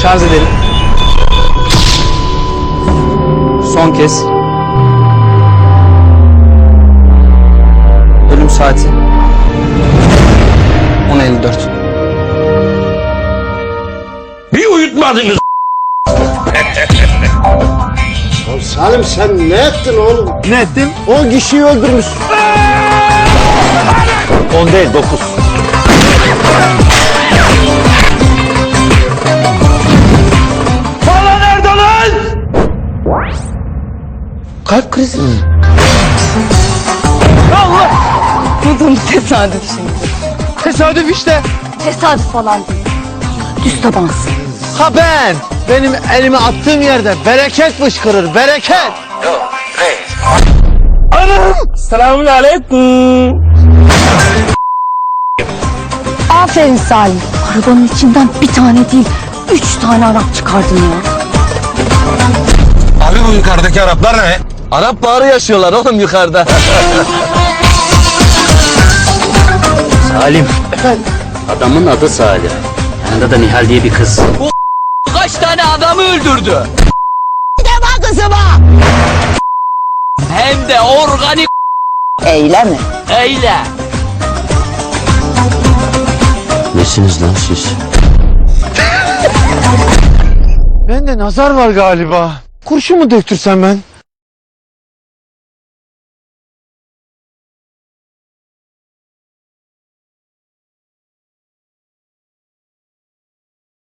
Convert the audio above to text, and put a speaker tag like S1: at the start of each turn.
S1: Şarj edelim. Son kez. Ölüm saati 10.54.
S2: Bir uyutmadınız.
S3: Salim sen ne ettin oğlum?
S1: Ne ettim?
S3: 10 kişiyi öldürmüş.
S4: 10 değil 9.
S2: Pala nerede lan?
S3: Kalp krizi.
S5: Bu da tesadüf şimdi.
S1: Tesadüf işte.
S5: Tesadüf falan değil. Düz tabansın.
S3: Ha ben. Benim elimi attığım yerde bereket fışkırır, bereket.
S2: Selamun aleyküm.
S5: Aferin Salim. Arabanın içinden bir tane değil, 3 tane Arap çıkardın ya.
S2: Abi bu yukarıdaki Araplar ne?
S4: Arap bağrı yaşıyorlar oğlum yukarıda.
S6: Salim. Adamın adı Salim. Yanında da Nihal diye bir kız.
S4: Kaç tane adamı öldürdü?
S5: Deme kızıma.
S4: Hem de organik
S5: Eyle mi?
S4: eyle.
S6: Nesiniz lan siz?
S3: Bende nazar var galiba. Kurşun mu döktürsem ben?